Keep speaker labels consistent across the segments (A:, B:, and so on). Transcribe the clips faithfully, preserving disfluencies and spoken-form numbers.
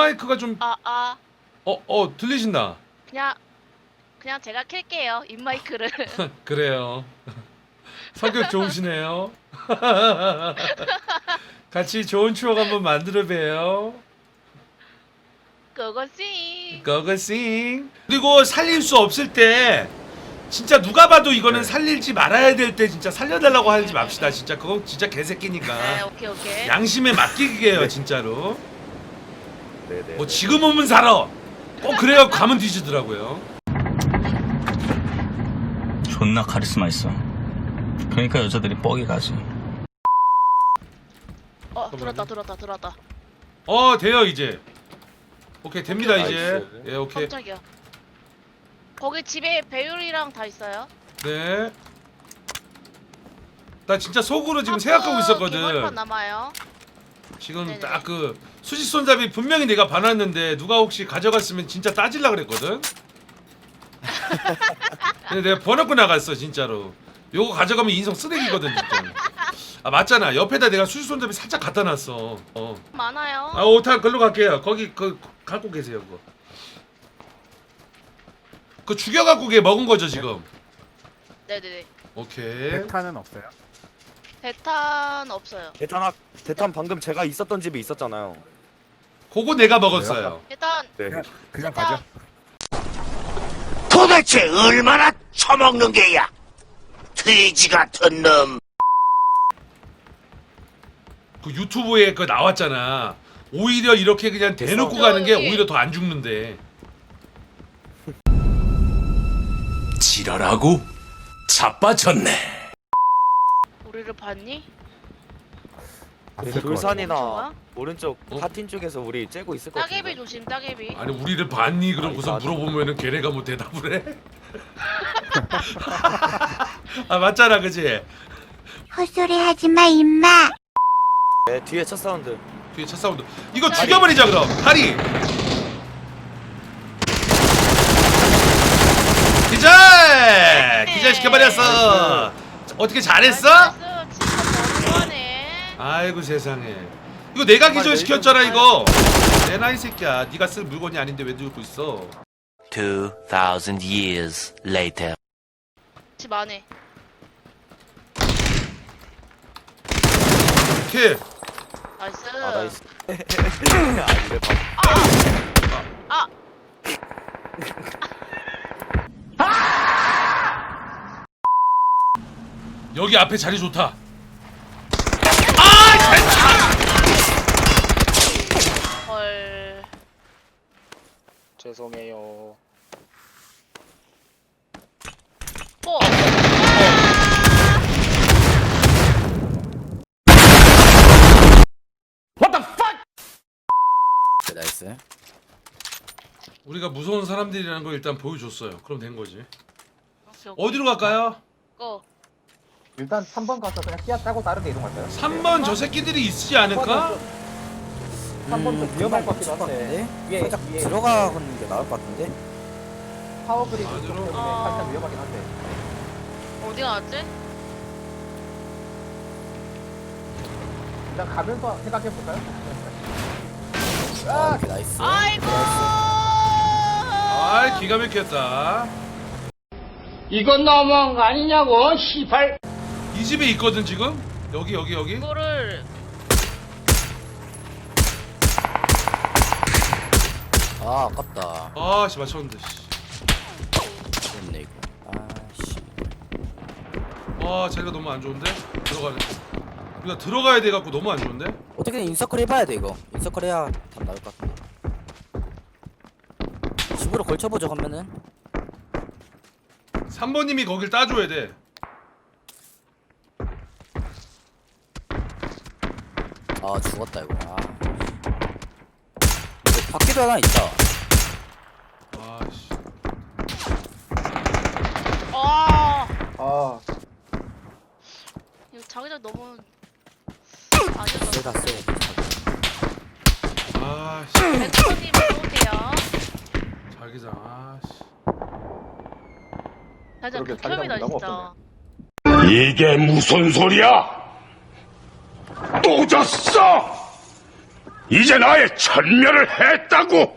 A: 입마이크가 좀
B: 아, 아.
A: 어, 어, 들리신다.
B: 그냥 그냥 제가 켤게요. 입마이크를.
A: 그래요. 성격 좋으시네요. 같이 좋은 추억 한번 만들어 봬요.
B: 그것이.
A: 고고싱. 그리고 살릴 수 없을 때 진짜 누가 봐도 이거는
C: 네.
A: 살릴지 말아야 될 때 진짜 살려달라고 하지 맙시다. 진짜 그거 진짜 개새끼니까.
B: 네, 오케이, 오케이.
A: 양심에 맡기게요
C: 네.
A: 진짜로.
C: 네네.
A: 뭐 지금 오면 살아. 꼭 그래야 가면 뒤지더라고요.
D: 존나 카리스마 있어. 그러니까 여자들이 뻑이 가지.
B: 어, 들었다, 들었다, 들었다.
A: 어 돼요 이제. 오케이 됩니다
C: 오케이,
A: 이제.
C: 나이스.
A: 예 오케이.
B: 깜짝이야. 거기 집에 배율이랑 다 있어요.
A: 네. 나 진짜 속으로 지금
B: 하프
A: 생각하고
B: 개벌판
A: 있었거든.
B: 남아요.
A: 지금
B: 네네.
A: 딱 그 수직 손잡이 분명히 내가 봐놨는데 누가 혹시 가져갔으면 진짜 따질라 그랬거든. 근데 내가 번호고 나갔어 진짜로. 요거 가져가면 인성 쓰레기거든 진짜. 아 맞잖아. 옆에다 내가 수직 손잡이 살짝 갖다 놨어. 어.
B: 많아요.
A: 아 오타 글로 갈게요. 거기 그 갖고 계세요 그거. 그 죽여갖고 걔 먹은 거죠 지금.
B: 네네네.
A: 오케이.
E: 백탄은 없어요.
B: 대탄 없어요.
C: 대탄 학 대탄 방금 제가 있었던 집에 있었잖아요.
A: 그거 내가 먹었어요.
B: 일단
C: 네.
E: 그냥 그냥
B: 일단
E: 가죠.
F: 도대체 얼마나 처먹는 게야? 돼지 같은 놈.
A: 그 유튜브에 그 나왔잖아. 오히려 이렇게 그냥 대놓고 가는 게
B: 저기-
A: 오히려 더 안 죽는데.
F: 지랄하고 자빠졌네.
B: 우리를 봤니?
C: 네,
E: 봤을 것
C: 돌산이나
B: 좋아?
C: 오른쪽
A: 어?
C: 파틴 쪽에서 우리 째고 있을 것
B: 따개비
C: 같은데.
B: 조심, 따개비.
A: 아니 우리를 봤니? 그러고서
C: 아니,
A: 물어보면은 걔네가 뭐 대답을 해? 아 맞잖아 그지?
G: 헛소리 하지 마, 임마.
C: 네, 뒤에 첫 사운드.
A: 뒤에 차 사운드. 이거 죽여버리자 그럼. 다리. 기절! 기절 시켜버렸어. 어떻게 잘했어?
B: 나이스, 진짜 너무하네.
A: 아이고 세상에. 이거 내가 기절 시켰잖아 이거. 내나 이 새끼야. 네가 쓸 물건이 아닌데 왜 들고 있어?
F: Two thousand years later.
B: 집 안에.
A: 오케이.
B: 나이스.
C: 아 나이스. 아 이래 봐.
B: 아!
A: 여기 앞에 자리 좋다.
B: 헐.
C: 죄송해요.
B: 뽀!
E: 나이스.
A: 우리가 무서운 사람들이라는 걸 일단 보여줬어요. 그럼 된 거지.
B: 오케이, 오케이.
A: 어디로 갈까요?
B: 고.
E: 일단 삼 번 가서 그냥 끼야 짜고 다른 데 이동할까요?
A: 삼 번 저 새끼들이 있지 않을까?
E: 삼 번 좀 위험할 것 같기도 한데. 위에
H: 살짝
E: 위에
H: 들어가는 게 나을 것 같은데?
E: 파워그리드 쪽
A: 안으로?
E: 때문에
B: 아.
E: 살짝 위험하긴 한데.
B: 어디 갔지?
E: 일단 가면서 생각해 볼까요?
H: 아, 오케이, 나이스.
B: 아이고!
A: 아 기가 막혔다.
I: 이건 너무한 거 아니냐고, 시발.
A: 이 집에 있거든 지금. 여기 여기 여기.
B: 이거를
H: 아, 아깝다.
A: 아씨 맞췄는데. 씨.
H: 좋네, 이거. 아, 씨.
A: 와 자리가 너무 안 좋은데. 들어가네. 우리가 들어가야 돼 갖고 너무 안 좋은데.
H: 어떻게든 인서클 해봐야 돼, 이거. 인서클 해야 답 나올 것 같은데. 집으로 걸쳐보죠, 그러면은.
A: 삼 번님이 거길 따줘야 돼.
H: 아, 죽었다, 이거. 아. 근데 밖에도 하나 있다.
A: 아씨.
B: 아!
E: 아,
B: 이거 자기장 너무 아니었다.
H: 세다, 세.
A: 아씨.
B: 백퍼님 쏘세요.
A: 자기장. 아씨.
B: 자기장
E: 그러게,
B: 극혐이다
E: 자기장
B: 진짜.
E: 너무
F: 이게 무슨 소리야? 또 졌어! 이제 나의 천멸을 했다고.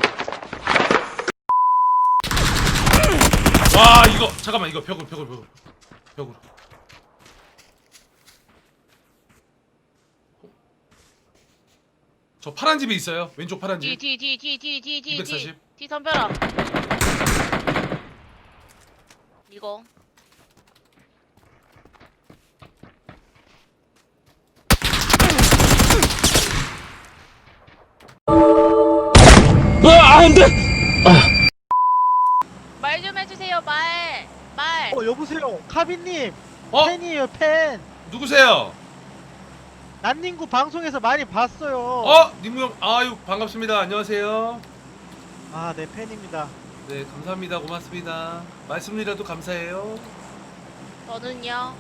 A: 와 이거 잠깐만 이거 벽으로 벽으로 벽으로 벽으로. 저 파란 집에 있어요. 왼쪽 파란 집.
B: 뒤 뒤 뒤 뒤 뒤 뒤
A: 이백사십.
B: 뒤 덤벼라. 이거 말 좀 해주세요 말 말.
E: 어 여보세요 카비님
A: 어?
E: 팬이에요 팬.
A: 누구세요?
E: 난닝구 방송에서 많이 봤어요.
A: 어? 닝구 형. 아유 반갑습니다. 안녕하세요.
E: 아 네 팬입니다.
A: 네 감사합니다. 고맙습니다. 말씀이라도 감사해요.
B: 저는요.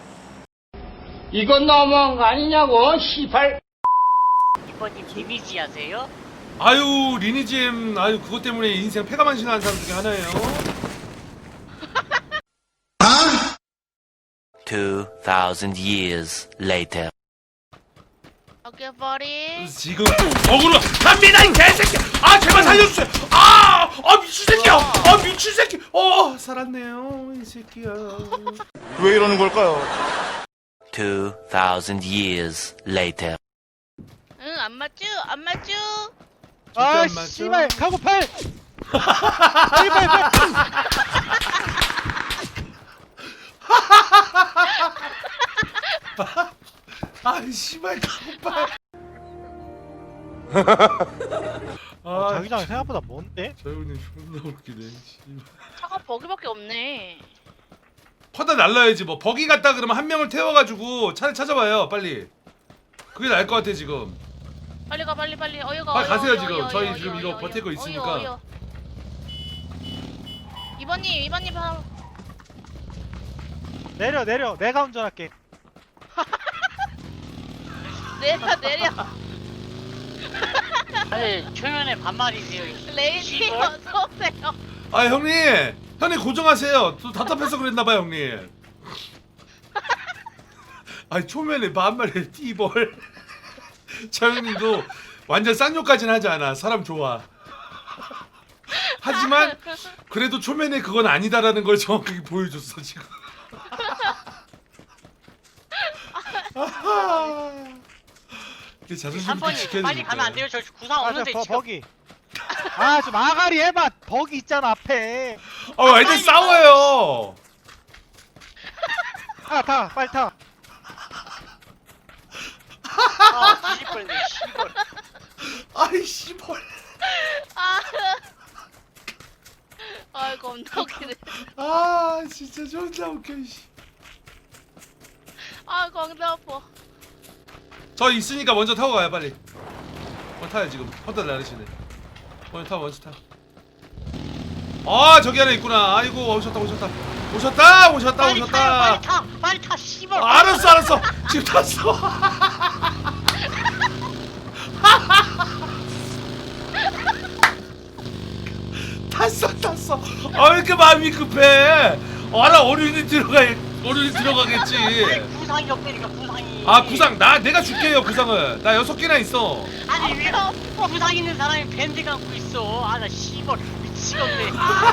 I: 이건 너무한 거 아니냐고 시발.
J: 이번님 데미지 하세요?
A: 아유 리니지엠 아유 그것 때문에 인생 패가망신하는 사람 중에 하나예요.
H: Two thousand years later.
B: 오케이 버리.
A: 지금 어그로 갑니다 이 개새끼. 아 제발 살려주세요. 아, 아 미친 새끼야. 아 미친 새끼. 어 살았네요 이 새끼야.
F: 왜 이러는 걸까요?
H: Two thousand years later.
B: 응 안 맞죠? 안 맞죠?
E: 아
A: 안 맞죠?
E: 씨발 카고 팔. 빨리 빨리 빨리.
A: 아 씨발 가오빠.
E: 어,
A: 아
E: 자기장 생각보다 먼데?
A: 저 형님 존나 웃기네. 씨발.
B: 차가 버기밖에 없네.
A: 퍼다 날라야지 뭐. 버기 갔다 그러면 한 명을 태워가지고 차를 찾아봐요 빨리. 그게 나을 것 같아 지금.
B: 빨리 가 빨리 빨리 어여가.
A: 빨리
B: 어여,
A: 가세요,
B: 어여,
A: 지금.
B: 어여,
A: 저희
B: 어여,
A: 지금
B: 어여,
A: 이거
B: 어여,
A: 버티고
B: 어여,
A: 있으니까.
B: 어여. 이번님 이번님 바로.
E: 내려 내려 내가 운전할게.
B: 내려 내려.
J: 아니 초면에 반말이세요.
B: 레이지
J: 시골?
B: 어서 오세요.
A: 아 형님 형님 고정하세요. 또 답답해서 그랬나봐요 형님. 아니 초면에 반말에 띠벌. 저 형님도 완전 쌍욕까지는 하지 않아. 사람 좋아. 하지만 그래도 초면에 그건 아니다라는 걸 정확하게 보여줬어 지금. 이게 자존심 좀
J: 삼 번님
A: 지켜야
J: 빨리
A: 되니까.
J: 가면 안 돼요. 저 구상
E: 아저
J: 없는데 지금.
E: 버기. 아 좀 아가리 해봐. 버기 있잖아 앞에.
A: 아 완전 싸워요.
E: 타 타 빨리 타.
J: 아 뒤질 뻔했네. 시골.
A: 아이 씨벌.
B: 아. 아 겁나 웃기네.
A: 아 진짜 존나 웃겨. 씨.
B: 아 겁나 아파.
A: 저 있으니까 먼저 타고 가요 빨리. 먼저 타요 지금. 헛다 나르시네. 먼저 타 먼저 타. 아 저기 하나 있구나. 아이고 오셨다 오셨다 오셨다 오셨다
J: 빨리 타요.
A: 오셨다.
J: 빨리 타. 빨리 타. 시골.
A: 아, 알았어 알았어 지금 탔어. 탔어 탔어. 아 왜 이렇게 마음이 급해. 아나 어른이 들어가 어른이 들어가겠지.
J: 구상이 없다니까 구상이.
A: 아 구상 나 내가 줄게요 구상을. 나 여섯 개나 있어.
J: 아니 왜 구상 있는 사람이 밴드 갖고 있어. 아나 시골 미치겠네.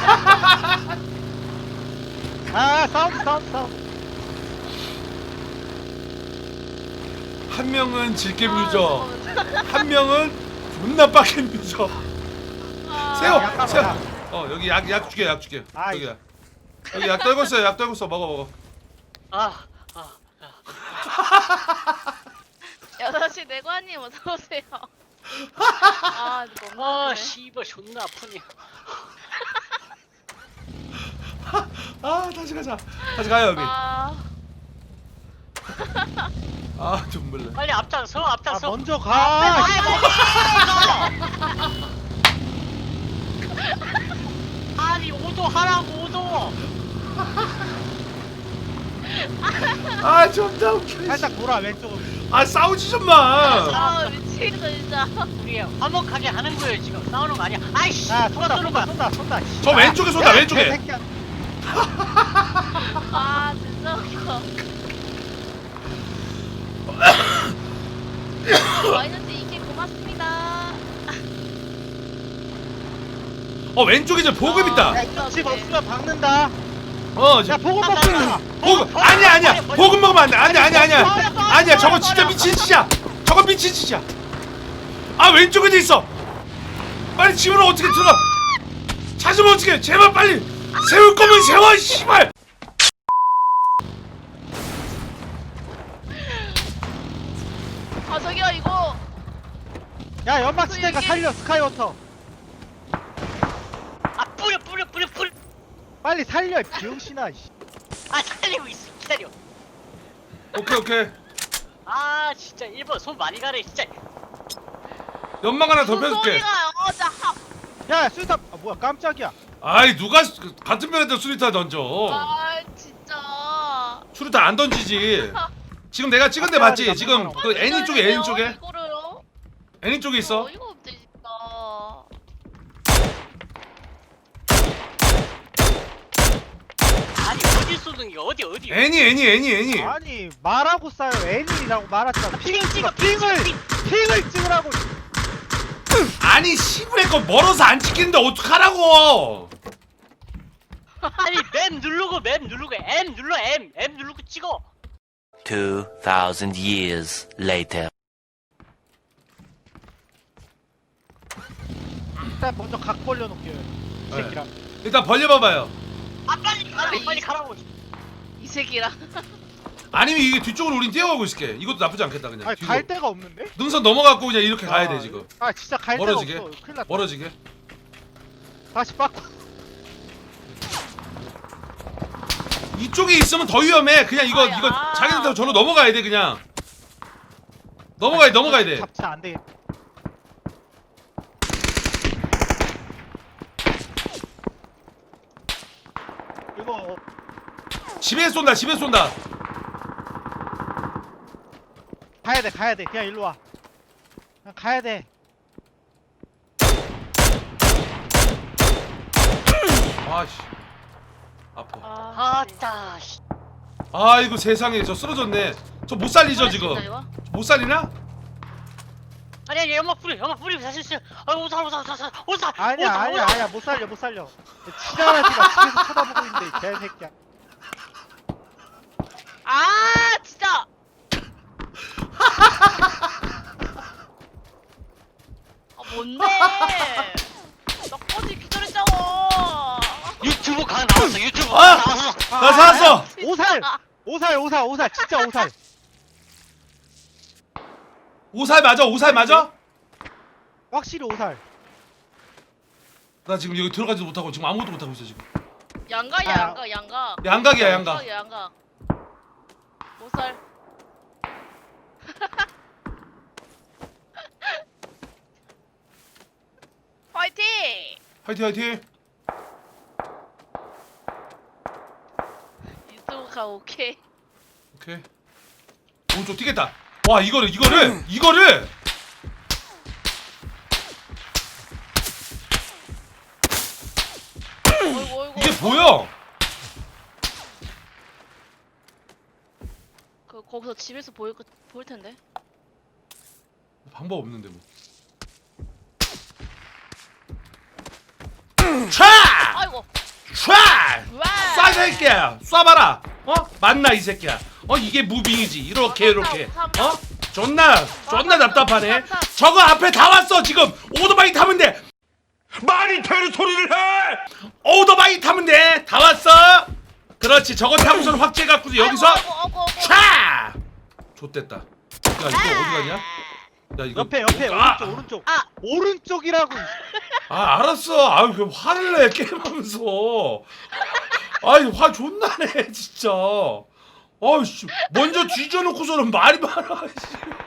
E: 아 사운드 사운드 사운드.
A: 한 명은 질겜 유저, 한 명은 존나 빡겜 유저.
B: 아,
A: 세워
E: 약간
A: 세워.
E: 많아.
A: 어 여기 약 약 줄게 약 줄게.
E: 아이.
A: 여기야. 여기 약 떨고 있어 약 떨고 있어 먹어 먹어.
J: 아, 아,
B: 여섯 시 내관님 어서 오세요. 아 너무
J: 아,
B: 아프네.
J: 씨발 존나 아프네.
A: 아 다시 가자. 다시 가요 여기.
B: 아,
A: 아 눈물 나.
J: 빨리 앞장서,
E: 아
J: 앞장서.
E: 먼저
J: 아,
E: 가.
J: 아니 오도 하라고 오도.
A: 아 존나 웃겨.
E: 살짝 돌아 왼쪽으로.
A: 아 싸우지 좀 마.
B: 아 미치겠어 진짜.
J: 우리 화목하게 하는 거예요 지금. 싸우는 거 아니야. 아이씨,
E: 아
J: 누가
E: 쏜다
J: 쏘는
E: 쏜다
J: 거야?
E: 쏜다 쏜다.
A: 저 왼쪽에 쏜다 왼쪽에.
E: 개새끼야.
B: 아 진짜 웃겨. 마이너스 이 개 고맙습니다.
A: 어 왼쪽에 저 보급 있다.
E: 야, 집 없으면 박는다.
A: 어 저,
E: 야, 보급 먹자.
A: 보급 아니야 아니야 보급 먹으면 안돼 아니야 아니야 아니야 아니야 저거 진짜 미친 짓이야. 저건 미친 짓이야. 아 왼쪽에도 있어. 빨리 집으로 어떻게 들어가. 찾으면 어떻게 제발 빨리 세울 거면 세워 씨발.
B: 아 저기요 이거
E: 야, 연막 치니까 살려, 스카이워터.
J: 아 뿌려 뿌려 뿌려 뿌려.
E: 빨리 살려, 이 병신아. 씨.
J: 아 살리고 있어 기다려.
A: 오케이 오케이.
J: 아 진짜 일 번 손 많이 가네 진짜.
A: 연막 하나 더 펴줄게.
B: 소리가 어자 합.
E: 야, 수류탄. 아, 뭐야, 깜짝이야.
A: 아이 누가 수- 같은 편에다 수리타 던져.
B: 아 진짜.
A: 수리타 안 던지지. 지금 내가 찍은 데 봤지? 지금 그 애니 쪽에 애니 쪽에
B: 이거를요?
A: 애니 쪽에 있어.
B: 어, 이거 없대 진짜.
J: 아니 어디 쏘는 게 어디 어디.
A: 애니 애니 애니 애니.
E: 아니, 말하고 싸요. 애니라고 말했잖아.
J: 핑
E: 핑
J: 찍어
E: 찍어,
J: 핑 찍어
E: 핑을,
J: 핑.
E: 핑을 찍으라고.
A: 아니 시부의 거 멀어서 안 찍히는데 어떡하라고.
J: 아니 맵 누르고 맵 누르고 M 눌러 M M 누르고 찍어.
F: Two thousand years later.
E: 일단 먼저 각 벌려놓게요. 이
A: 네.
E: 새끼랑.
A: 일단 벌려봐봐요.
J: 아 빨리 가라고 빨리 가라고.
B: 이 새끼랑.
A: 아니면 이게 뒤쪽으로 우린 뛰어가고 있을게. 이것도 나쁘지 않겠다 그냥.
E: 아니,
A: 뒤로.
E: 갈 데가 없는데?
A: 능선 넘어갖고 그냥 이렇게 가야
E: 아,
A: 돼 지금.
E: 아, 진짜 갈
A: 멀어지게?
E: 데가 없어. 큰일 났다.
A: 멀어지게.
E: 다시 바꿔.
A: 이쪽에 있으면 더 위험해. 그냥 이거
B: 아야.
A: 이거 자기들 저로 넘어가야 돼 그냥. 넘어가야 돼 넘어가야 돼.
E: 잡자, 안 되겠다. 이거
A: 집에 쏜다 집에 쏜다.
E: 가야 돼, 가야 돼. 그냥 일로 와. 그냥 가야 돼.
A: 아씨. 아파.
B: 아,
J: 아따 씨.
A: 아이고 세상에 저 쓰러졌네. 저 못 살리죠 지금.
B: 진짜 이거?
A: 못 살리나?
J: 아니 아니 연막 뿌려 연막 뿌리고 다시 있어. 아 오살 오살 오살 오살.
E: 아니야,
J: 오살,
E: 아니야,
J: 오살.
E: 아니야. 못 살려, 못 살려. 지랄하지마. 집에서 쳐다보고 있는데, 이 개새끼야.
B: 아 진짜. 아 뭔데? 나 꺼지 기다렸잖아.
J: 유튜브 강 나왔어 유튜브
A: 아!
J: 강 나왔어.
A: 나 살았어.
E: 오살! 오살, 오살, 오살. 진짜 오살.
A: 오살 맞아 오살 맞아?
E: 확실히 오살.
A: 나 지금 여기 들어가지도 못하고 지금 아무것도 못하고 있어 지금.
B: 양가야
E: 아.
B: 양가 양가.
A: 양각이야 양각.
B: 양가 양가. 보살. 화이팅!
A: 화이팅 화이팅.
B: 유튜브가 오케이.
A: 오케이. 오른쪽 뛰겠다. 와 이거를 이거를 이거를.
B: 어이구 어이구.
A: 이게 보여.
B: 그 거기서 집에서 보일 거 보일 텐데.
A: 방법 없는데 뭐. 촤!
B: 아이고.
A: 촤!
B: 와.
A: 쏴 새끼야. 쏴봐라. 어? 맞나 이 새끼야. 어 이게 무빙이지. 이렇게 이렇게. 어? 존나 존나 답답하네. 저거 앞에 다 왔어 지금. 오토바이 타면 돼. 말이 되는 소리를 해. 오토바이 타면 돼. 다 왔어. 그렇지. 저거 타고서는 확제 갖고서 여기서
B: 아이고, 아이고, 아이고, 아이고.
A: 촤! 좆됐다. 야 이거 어디 가냐? 야 이거
E: 옆에, 옆에.
A: 아!
E: 오른쪽, 오른쪽.
B: 아.
E: 오른쪽이라고.
A: 아 알았어. 아유 그 화를 내 게임하면서. 아이 화 존나 내 진짜. 아이씨 먼저 뒤져놓고서는 말이 많아. 씨.